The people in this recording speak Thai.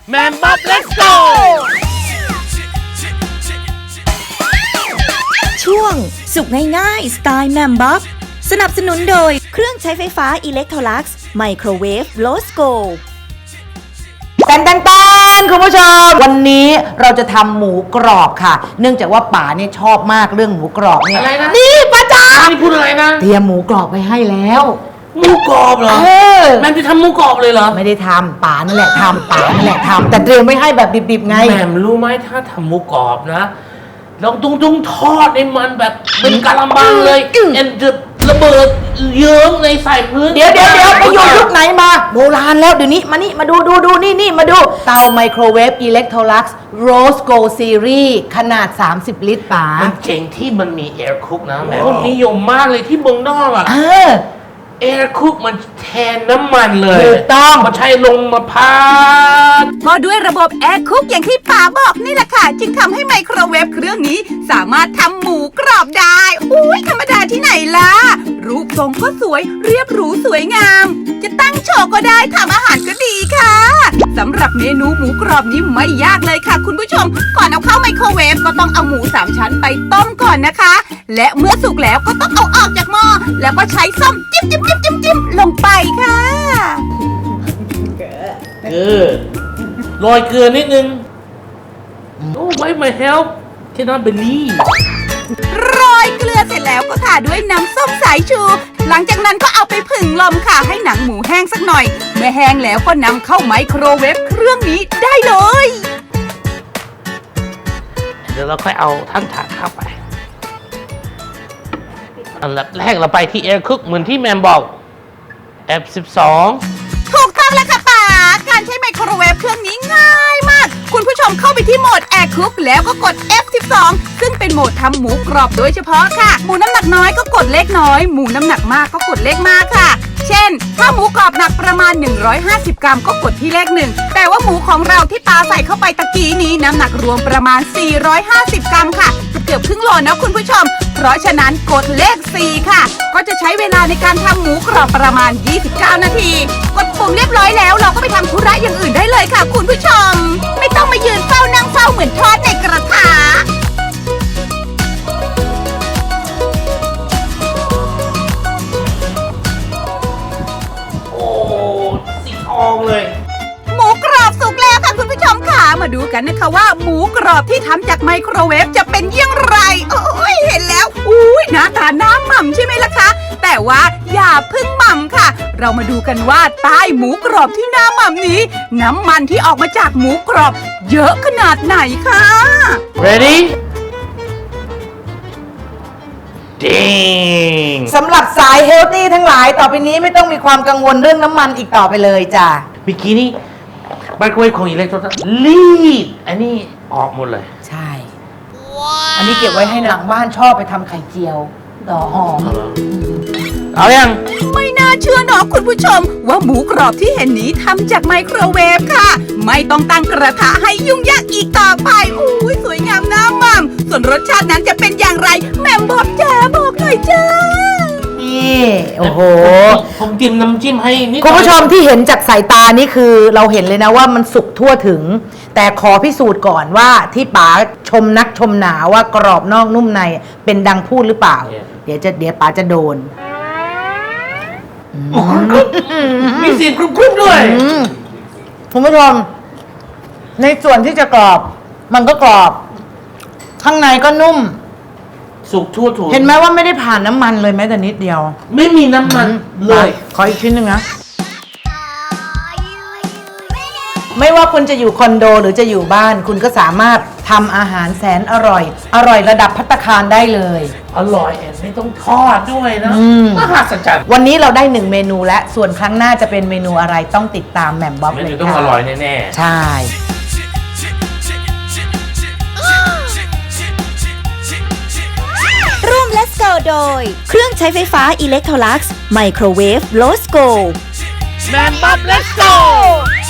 แมมบ๊อบ let's go ช่วงสุกง่ายๆสไตล์แมมบ๊อบสนับสนุนโดยเครื่องใช้ไฟฟ้าอิเล็กโทรลักซ์ไมโครเวฟโลสโกแตนคุณผู้ชมวันนี้เราจะทำหมูกรอบค่ะเนื่องจากว่าป๋าเนี่ยชอบมากเรื่องหมูกรอบเนี่ยอะไรนะนี่ป้าจ๋านี่พูดอะไรนะเตรียมหมูกรอบไว้ให้แล้วหมูกรอบเหรอแมมจะทำหมูกรอบเลยเหรอไม่ได้ทำป๋านั่นแหละทำป๋านั่นแหละทำแต่เตรียมไว้ให้แบบดิบๆไงแมมรู้ไหมถ้าทำหมูกรอบนะเราต้องทอดในมันแบบเป็นกะละมังเลยเอ็นจะระเบิดเยิ้มในใส่พื้นเดี๋ยวไปอยู่ยุคไหนมาโบราณแล้วเดี๋ยวนี้มานี่มาดูนี่มาดูเตาไมโครเวฟอิเล็กโทรลักซ์โรสโกซีรีส์ขนาด30ลิตรป๋ามันเจ๋งที่มันมีแอร์คุกนะแม่คนนิยมมากเลยที่เมืองนอกอ่ะแอร์คุกมันแทนน้ำมันเลยถูกต้องมันใช้ลงมาพัดก็ด้วยระบบแอร์คุกอย่างที่ป๋าบอกนี่แหละค่ะจึงทำให้ไมโครเวฟเครื่องนี้สามารถทำหมูกรอบได้อุ้ยธรรมดาที่ไหนล่ะรูปทรงก็สวยเรียบหรูสวยงามจะตั้งโชว์ก็ได้ทำอาหารก็ดีค่ะสำหรับเมนูหมูกรอบนี้ไม่ยากเลยค่ะคุณผู้ชมก่อนเอาเข้าไมโครเวฟก็ต้องเอาหมู3ชั้นไปต้มก่อนนะคะและเมื่อสุกแล้วก็ต้องเอาออกจากหม้อแล้วก็ใช้ส้อมจิ้มลงไปค่ะโรยเกลือนิดนึงโอ้ไว้มาเฮลป์แค่นั้นเบลลี่โรยเกลือเสร็จแล้วก็ทาด้วยน้ำส้มสายชูหลังจากนั้นก็เอาไปผึ่งลมค่ะให้หนังหมูแห้งสักหน่อยเมื่อแห้งแล้วก็นำเข้าไมโครเวฟเครื่องนี้ได้เลยเดี๋ยวเราค่อยเอาทั้งถาดเข้าไปอันดับแรกเราไปที่ Air Cook เหมือนที่แมมบอก F12 ถูกต้องแล้วค่ะป๋าการใช้ไมโครเวฟเครื่องนี้ง่ายมากคุณผู้ชมเข้าไปที่โหมด Air Cook แล้วก็กด F12 ซึ่งเป็นโหมดทำหมูกรอบโดยเฉพาะค่ะหมูน้ำหนักน้อยก็กดเลขน้อยหมูน้ำหนักมากก็กดเลขมากค่ะเช่นถ้าหมูกรอบหนักประมาณ150กรัมก็กดที่เลข1แต่ว่าหมูของเราที่ปาใส่เข้าไปตะกี้นี้น้ำหนักรวมประมาณ450กรัมค่ะเกือบครึ่งโลนะคุณผู้ชมเพราะฉะนั้นกดเลข4ค่ะก็จะใช้เวลาในการทำหมูกรอบประมาณ29นาทีกดปุ่มเรียบร้อยแล้วเราก็ไปทำธุระอย่างอื่นได้เลยค่ะคุณผู้ชมไม่ต้องมายืนเฝ้านั่งเฝ้าเหมือนทอดในกระทะโอ้สีทองเลยหมูกรอบสุกแล้วค่ะคุณผู้ชมค่ะมาดูกันนะคะว่าหมูกรอบที่ทำจากไมโครเวฟจะเป็นอย่างไรโอ้ยเห็นแล้วอุ้ยหน้าตาน้ำหม่ำใช่ไหมล่ะคะแต่ว่าอย่าเพิ่งหม่ำค่ะเรามาดูกันว่าใต้หมูกรอบที่หน้าหม่ำนี้น้ำมันที่ออกมาจากหมูกรอบเยอะขนาดไหนคะ Ready สำหรับสายเฮลตี้ทั้งหลายต่อไปนี้ไม่ต้องมีความกังวลเรื่องน้ำมันอีกต่อไปเลยจ้ะเมื่อกี้นี่ไมโครเวฟของอิเล็กโทรลักซ์รีดอันนี้ออกหมดเลยใช่อันนี้เก็บไว้ให้หลังบ้านชอบไปทำไข่เจียวต่อหอมเอายังไม่น่าเชื่อเนาะคุณผู้ชมว่าหมูกรอบที่เห็นนี้ทำจากไมโครเวฟค่ะไม่ต้องตั้งกระทะให้ยุ่งยากอีกต่อไปอุ้ยสวยงามน่ามั่มส่วนรสชาตินั้นจะเป็นอย่างไรแม่บอกจ้าบอกหน่อยจ้านี่โอ้โหผมจิ้มน้ำจิ้มให้นิดคุณผู้ชมที่เห็นจากสายตานี่คือเราเห็นเลยนะว่ามันสุกทั่วถึงแต่ขอพิสูจน์ก่อนว่าที่ป๋าชมนักชมหนาว่ากรอบนอกนุ่มในเป็นดังพูดหรือเปล่าเดี๋ยวป๋าจะโดนมีเสียงกรุบๆด้วยคุณผู้ชมในส่วนที่จะกรอบมันก็กรอบข้างในก็นุ่มสุกทั่วถึงเห็นไหมว่าไม่ได้ผ่านน้ำมันเลยแม้แต่นิดเดียวไม่มีน้ำมันเลยขออีกชิ้นหนึ่งนะไม่ว่าคุณจะอยู่คอนโดหรือจะอยู่บ้านคุณก็สามารถทำอาหารแสนอร่อยระดับภัตตาคารได้เลยอร่อยไม่ต้องทอดด้วยนะมหัศจรรย์วันนี้เราได้1เมนูและส่วนครั้งหน้าจะเป็นเมนูอะไรต้องติดตามแหม่มบ๊อบเลยค่ะต้องอร่อยแน่ๆใช่ร่วม Let's Go โดยเครื่องใช้ไฟฟ้าอิเล็กโทรลักซ์ไมโครเวฟโลสโกแมมบ๊อบ Let's go